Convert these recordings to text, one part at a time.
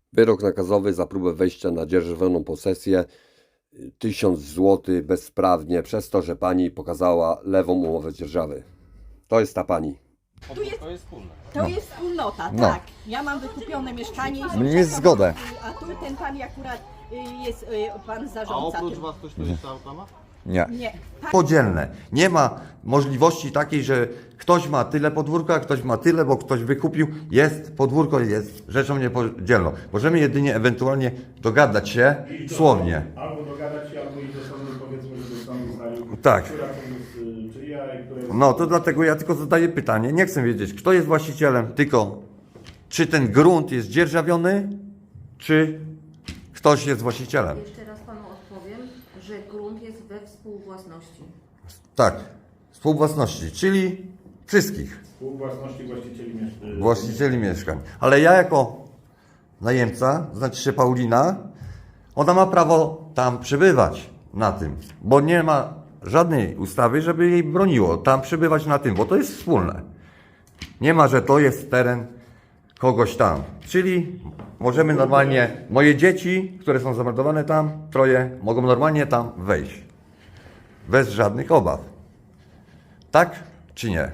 Wyrok nakazowy za próbę wejścia na dzierżawioną posesję 1000 zł bezprawnie przez to, że pani pokazała lewą umowę dzierżawy. To jest ta pani. To jest wspólne. To jest wspólnota, No. tak. Ja mam wykupione mieszkanie. i Jest zgodę. A tu ten pan akurat jest pan A zarządca. oprócz tym. was ktoś tu jeszcze auta ma? Nie. Nie. Pan Podzielne. Nie ma możliwości takiej, że ktoś ma tyle podwórka, ktoś ma tyle, bo ktoś wykupił. Podwórko jest rzeczą niepodzielną. Możemy jedynie ewentualnie dogadać się słownie. Albo dogadać się, albo iść do sądu, powiedzmy, żeby sąd ustalił, Tak. która to jest czyja i która jest... No to dlatego ja tylko zadaję pytanie. Nie chcę wiedzieć, kto jest właścicielem, tylko czy ten grunt jest dzierżawiony, czy ktoś jest właścicielem. Jeszcze raz panu odpowiem, że grunt jest we współwłasności. Tak, współwłasności, czyli wszystkich Współwłasności właścicieli mieszkań. właścicieli mieszkań. Ale ja jako najemca, znaczy się Paulina, ona ma prawo tam przebywać na tym, bo nie ma żadnej ustawy, żeby jej broniło tam przebywać na tym, bo to jest wspólne. Nie ma, że to jest teren kogoś tam. Czyli możemy normalnie, moje dzieci, które są zameldowane tam, 3, mogą normalnie tam wejść. Bez żadnych obaw. Tak czy nie?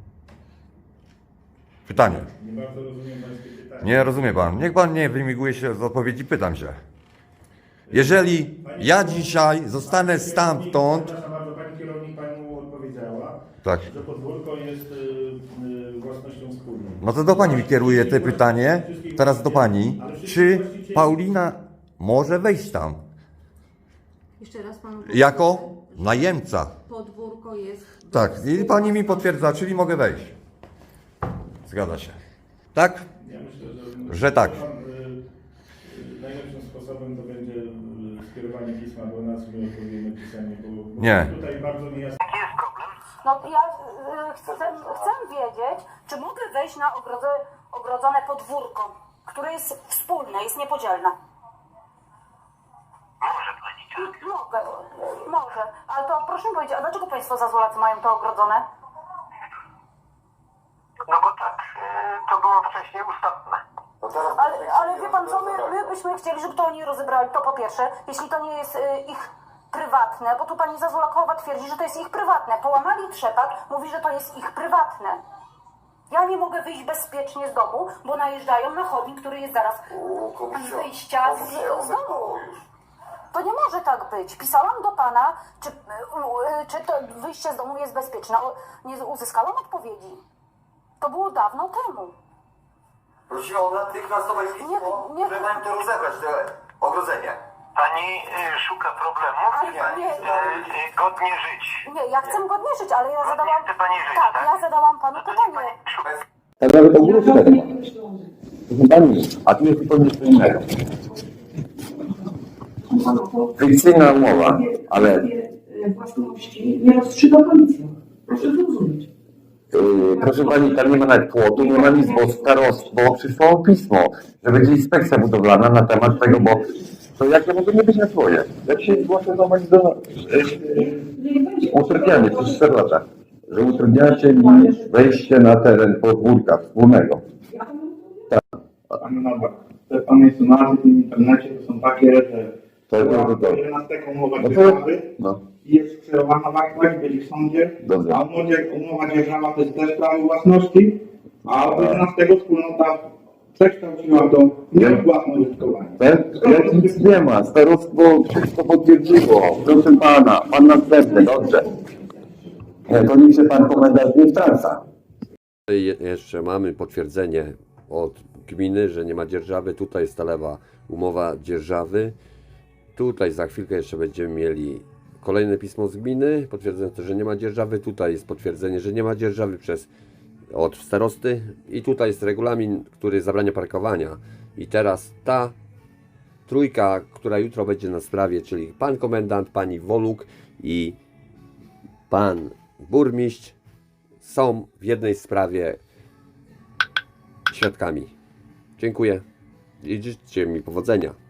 Pytanie. Nie bardzo rozumiem pańskie pytanie. Nie rozumie pan. Niech pan nie wymiguje się z odpowiedzi, pytam się. Jeżeli ja dzisiaj zostanę stamtąd... Przepraszam bardzo, pani kierownik panu odpowiedziała, Tak. że podwórko jest własnością wspólną. No to do pani mi kieruje te pytanie. Teraz do pani. Czy Paulina może wejść tam? Jeszcze raz panu Jako powtórzę, że najemca. podwórko jest... Tak. I pani mi potwierdza, czyli mogę wejść. Zgadza się. Tak? Ja myślę, Że tak. Najlepszym sposobem to będzie skierowanie pisma do nas, my odpowiemy pisemnie, bo Nie. tutaj bardzo niejasno. No ja chcę wiedzieć, czy mogę wejść na ogrodzone podwórko, które jest wspólne, jest niepodzielne. Może pani tak. Może, ale to proszę mi powiedzieć, a dlaczego państwo zazwolacy mają to ogrodzone? No bo tak, to było wcześniej ustawne. Ale wie pan co, my byśmy chcieli, żeby to oni rozebrali, to po pierwsze, jeśli to nie jest ich prywatne, bo tu pani Zazulakowa twierdzi, że to jest ich prywatne. Połamali trzepak, mówi, że to jest ich prywatne. Ja nie mogę wyjść bezpiecznie z domu, bo najeżdżają na chodnik, który jest zaraz z wyjścia z domu. To nie może tak być. Pisałam do pana, czy to wyjście z domu jest bezpieczne. Nie uzyskałam odpowiedzi. To było dawno temu. Prosiła o natychmiastowe pismo, Nie. że mają to rozebrać, to ogrodzenie. Pani szuka problemów, Ale chce pani nie. godnie żyć. Nie, ja chcę godnie żyć, ale ja Godnie zadałam... chce pani żyć, Tak, tak? ja zadałam panu No to niech pytanie. pani szuka. Tak nawet ogródkę nie ma. Proszę pani, a tu jest zupełnie co innego. Fikcyjna umowa, ale własności nie rozstrzyga policja. Proszę zrozumieć. proszę pani, tam nie ma nawet płotu, nie ma nic, bo starostwo przysłało pismo, że będzie inspekcja budowlana na temat tego, bo to jak ja mogę nie być na swoje? Jak się zgłoszę zobaczyć do utrudnianie przez 4 lata, że utrudniacie mi wejście na teren podwórka wspólnego. Te pana insynuacje w internecie to są takie, że To jest bardzo dobrze. 11 umowa No to- dzierżawy No, jest skierowana właśnie, byli w sądzie, Dobrze. a umowa dzierżawa to jest też prawo własności, a od 11 wspólnota przekształciła to w nieodpłatne użytkowanie. jak nic nie ma, starostwo wszystko potwierdziło, proszę pana, pan następny, dobrze. To niech się pan komendant nie wtrąca. Jeszcze mamy potwierdzenie od gminy, że nie ma dzierżawy. Tutaj jest ta lewa umowa dzierżawy. Tutaj za chwilkę jeszcze będziemy mieli kolejne pismo z gminy potwierdzające, że nie ma dzierżawy. Tutaj jest potwierdzenie, że nie ma dzierżawy od starosty. I tutaj jest regulamin, który zabrania parkowania. I teraz ta trójka, która jutro będzie na sprawie, czyli pan komendant, pani Woluk i pan burmistrz, są w jednej sprawie świadkami. Dziękuję i życzcie mi powodzenia.